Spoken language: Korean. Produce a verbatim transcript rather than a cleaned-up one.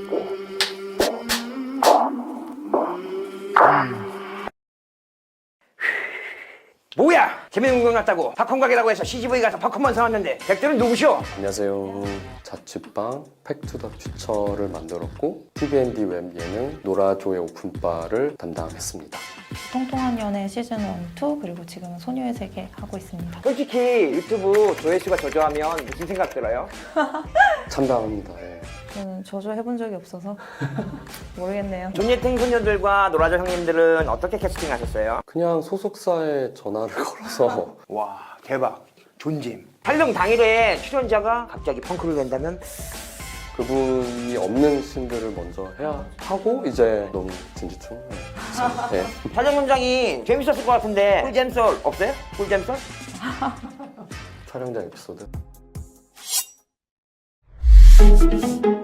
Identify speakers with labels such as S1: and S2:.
S1: 뭐야! 재밌는 구경 났다고 팝콘 가게라고 해서 씨지브이 가서 팝콘만 사왔는데 백들은 누구시오?
S2: 안녕하세요. 자취방 팩투더 퓨처를 만들었고 티비앤디 웹 예능 노라조의 오픈바를 담당했습니다.
S3: 통통한 연애 시즌 일, 이 그리고 지금은 소녀의 세계 하고 있습니다.
S1: 솔직히 유튜브 조회수가 저조하면 무슨 생각 들어요?
S2: 참담합니다. 예.
S3: 저는 저조해본 적이 없어서 모르겠네요.
S1: 존예팅 소녀들과 노라조 형님들은 어떻게 캐스팅하셨어요?
S2: 그냥 소속사에 전화를 걸어서
S1: 와 대박 존잼. 촬영 당일에 출연자가 갑자기 펑크를 낸다면?
S2: 그분이 없는 씬들을 먼저 해야 하고 이제 너무 진지충. 네. 네.
S1: 촬영 현장이 재밌었을 것 같은데 꿀잼썰 없어요? 꿀잼썰?
S2: 촬영장 에피소드.